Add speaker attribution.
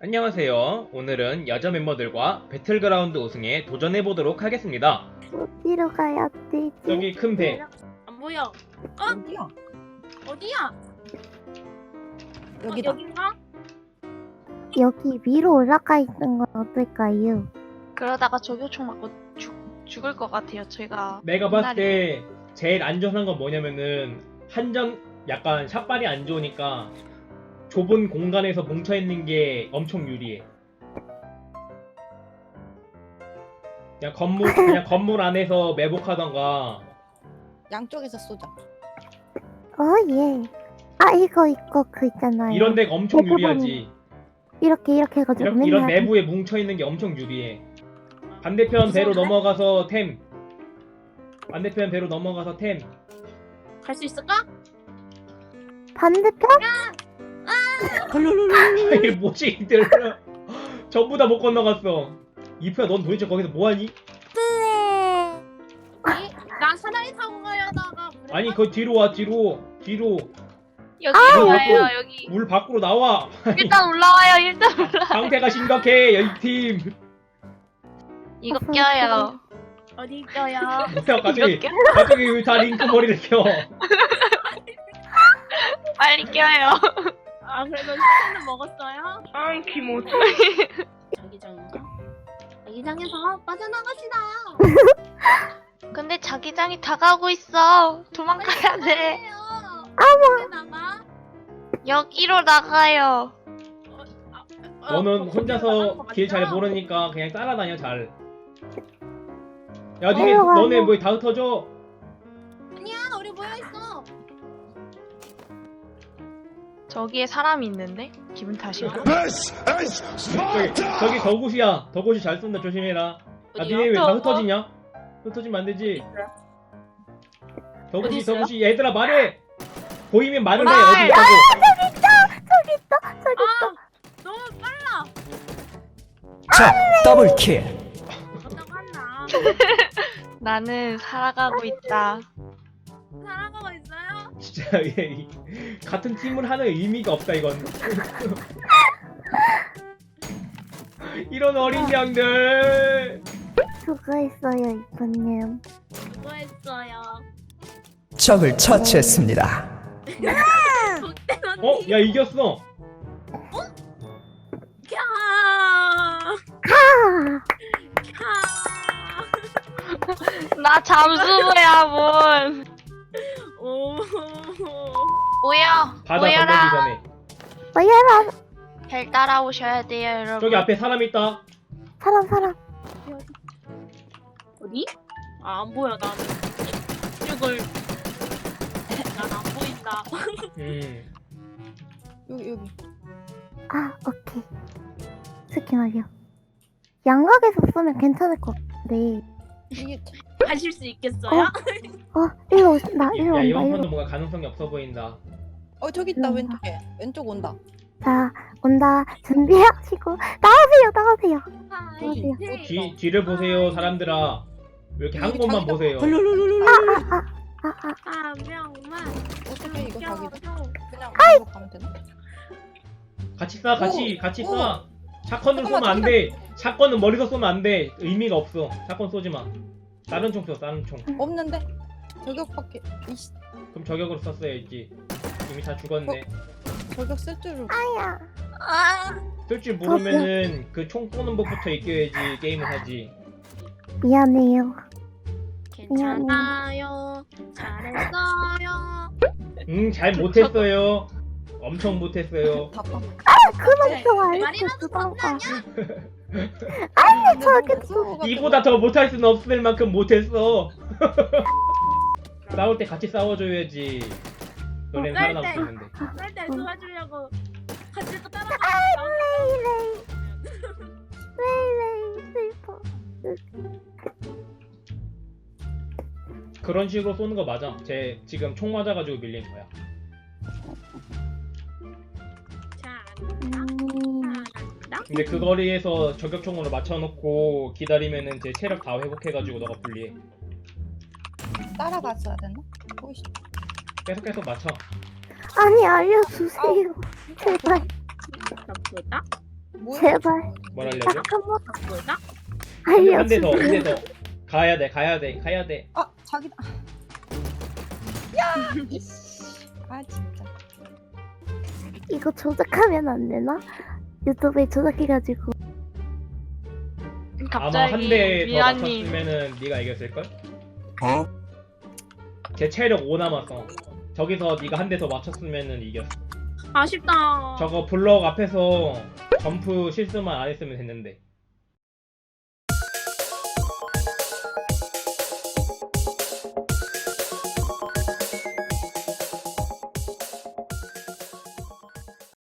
Speaker 1: 안녕하세요. 오늘은 여자 멤버들과 배틀그라운드 우승에 도전해보도록 하겠습니다.
Speaker 2: 어디로 가야 되지?
Speaker 1: 여기 큰 배.
Speaker 3: 안 보여.
Speaker 4: 어디야?
Speaker 3: 어디야?
Speaker 4: 여기다.
Speaker 3: 여긴가?
Speaker 2: 여기 위로 올라가 있는 건 어떨까요?
Speaker 5: 그러다가 저격총 맞고 죽을 것 같아요. 제가
Speaker 1: 내가 봤을 때 제일 안전한 건 뭐냐면은 약간 샷발이 안 좋으니까 좁은 공간에서 뭉쳐있는 게 엄청 유리해. 그냥 건물 안에서 매복하던가.
Speaker 4: 양쪽에서 쏘자.
Speaker 2: 예. 아 이거 그 있잖아요.
Speaker 1: 이런 데가 엄청
Speaker 2: 대부분
Speaker 1: 유리하지.
Speaker 2: 이렇게 해가지고
Speaker 1: 이런
Speaker 2: 맨날
Speaker 1: 내부에 뭉쳐있는 게 엄청 유리해. 반대편 배로 넘어가서 템.
Speaker 3: 갈 수 있을까?
Speaker 2: 반대편?
Speaker 1: 이게 뭐지 이들. 전부 다 못 건너갔어. 이프야 넌 도대체 거기서 뭐하니?
Speaker 3: 나 사다리 타고 가려다가
Speaker 1: 아니 그 뒤로 와 뒤로.
Speaker 5: 여기 와요. 여기
Speaker 1: 물 밖으로 나와.
Speaker 5: 일단 올라와요. 일단
Speaker 1: 상태가 심각해 여기 팀.
Speaker 5: 이거 껴요.
Speaker 3: 어디 있어요?
Speaker 1: 뭐야 갑자기
Speaker 5: 이거
Speaker 1: 왜 다 링크 머리를 켜.
Speaker 5: 빨리 껴요.
Speaker 3: 아 그래도 식사는 먹었어요?
Speaker 5: 아 기모.
Speaker 3: 자기장인가? 자기장에서 빠져나갑시다.
Speaker 5: 근데 자기장이 다가오고 있어. 도망가야 돼.
Speaker 3: 어머. 나가?
Speaker 5: 여기로 나가요.
Speaker 1: 너는 혼자서 길 잘 모르니까 그냥 따라다녀 잘. 야 너네 뭐 다 흩어져.
Speaker 3: 아니야 우리 모여 있어.
Speaker 5: 저기에 사람이 있는데 기분 탓이야.
Speaker 1: 저기 덕옷이 잘 쏜다 조심해라. 야
Speaker 3: 어디요?
Speaker 1: 니네 왜 다 흩어지냐? 흩어지면 안 되지.
Speaker 3: 어디 있어요?
Speaker 1: 덕옷이 얘들아 말해. 보이면 말을 해.
Speaker 5: 말!
Speaker 1: 어디 있다고.
Speaker 2: 저기 있어.
Speaker 3: 너무 빨라.
Speaker 6: 자, 더블킬.
Speaker 3: 어떡 한다.
Speaker 5: 나는 살아가고 있다.
Speaker 3: 살아가고 있어요?
Speaker 1: 진짜 같은 팀을 하는 의미가 없다 이건. 이런 어린 양들.
Speaker 2: 수고했어요 이쁜님.
Speaker 3: 수고했어요.
Speaker 6: 적을 처치했습니다.
Speaker 3: 복대는
Speaker 1: 야 이겼어.
Speaker 3: 캬.
Speaker 2: 아
Speaker 5: 나 잠수부야 뭔.
Speaker 3: 오.
Speaker 5: 모여.
Speaker 1: 바다 건너기
Speaker 5: 모여라.
Speaker 1: 전에.
Speaker 2: 뭐야라
Speaker 5: 잘 따라오셔야 돼요 여러분.
Speaker 1: 저기 앞에 사람 있다.
Speaker 2: 사람
Speaker 3: 어디? 아, 안 보여 나는. 이걸 난 안 보인다.
Speaker 4: 여기.
Speaker 2: 아 오케이. 스키말이요. 양각에서 쏘면 괜찮을 것 같은데.
Speaker 4: 이게
Speaker 3: 가실 수 있겠어요?
Speaker 2: 일로 오신다. 일로
Speaker 1: 야
Speaker 2: 온다.
Speaker 1: 이번
Speaker 2: 일로.
Speaker 1: 판도 뭔가 가능성이 없어 보인다.
Speaker 4: 저기 있다.
Speaker 2: 음.
Speaker 4: 왼쪽 온다.
Speaker 2: 자 온다. 준비하시고 나오세요.
Speaker 3: 하이.
Speaker 2: 어디야?
Speaker 1: 뒤를 보세요 사람들아. 왜 이렇게 한
Speaker 4: 여기
Speaker 1: 곳만
Speaker 4: 자기장.
Speaker 1: 보세요.
Speaker 3: 한 명만.
Speaker 4: 어떻게 이거 자기장?
Speaker 3: 껴줘.
Speaker 4: 그냥 이거 가면 되나?
Speaker 1: 같이 쏴. 샷건으로
Speaker 4: 잠깐만,
Speaker 1: 쏘면 안 돼. 샷건은 머리서 쏘면 안 돼. 의미가 없어. 샷건 쏘지 마. 다른 총 써. 다른 총.
Speaker 4: 없는데? 저격밖에. 이씨,
Speaker 1: 그럼 저격으로 썼어야지. 이미 다 죽었네.
Speaker 4: 저격 쓸 줄을.
Speaker 2: 아야.
Speaker 3: 아.
Speaker 1: 쓸 줄 모르면은 그 총 쏘는 법부터 익혀야지 게임을 하지.
Speaker 2: 미안해요.
Speaker 3: 괜찮아요. 잘했어요.
Speaker 1: 잘 못했어요. 엄청 못했어요.
Speaker 4: 답답.
Speaker 2: 그만 좀 알려줘
Speaker 3: 말이라도
Speaker 2: 주던가.
Speaker 4: 아니
Speaker 2: 저기
Speaker 1: 이보다 더 못할 수는 없을 만큼 못했어. 싸울 때 같이 싸워줘야지. 너네는
Speaker 3: 쌀
Speaker 1: 살아남을
Speaker 3: 때.
Speaker 1: 수 있는데.
Speaker 3: 쌀때 도와주려고 같이 또 따라가.
Speaker 2: 레이 슬퍼.
Speaker 1: 그런 식으로 쏘는 거 맞아. 쟤 지금 총 맞아가지고 밀린 거야.
Speaker 3: 잘한다.
Speaker 1: 근데 그 거리에서 저격총으로 맞춰놓고 기다리면은 제 체력 다 회복해가지고 너가 불리해.
Speaker 4: 따라갔어야 되나? 보이시.
Speaker 1: 계속 맞춰.
Speaker 2: 아니 알려주세요. 제발.
Speaker 3: 나쁘다.
Speaker 4: 뭐야?
Speaker 2: 제발.
Speaker 1: 뭘 알려줘?
Speaker 2: 딱 한 번
Speaker 3: 뭐야?
Speaker 1: 한 대 더, 한
Speaker 2: 알려주세요.
Speaker 1: 대 더. 가야 돼, 가야 돼, 가야 돼.
Speaker 4: 아 자기다. 야. 아 진짜.
Speaker 2: 이거 조작하면 안 되나? 유튜브에 조작해가지고.
Speaker 1: 아마
Speaker 5: 갑자기
Speaker 1: 한 대 더
Speaker 5: 미아님
Speaker 1: 맞췄으면은 네가 이겼을걸? 제 체력 5 남았어. 저기서 네가 한 대 더 맞췄으면은 이겼어.
Speaker 3: 아쉽다.
Speaker 1: 저거 블럭 앞에서 점프 실수만 안 했으면 됐는데.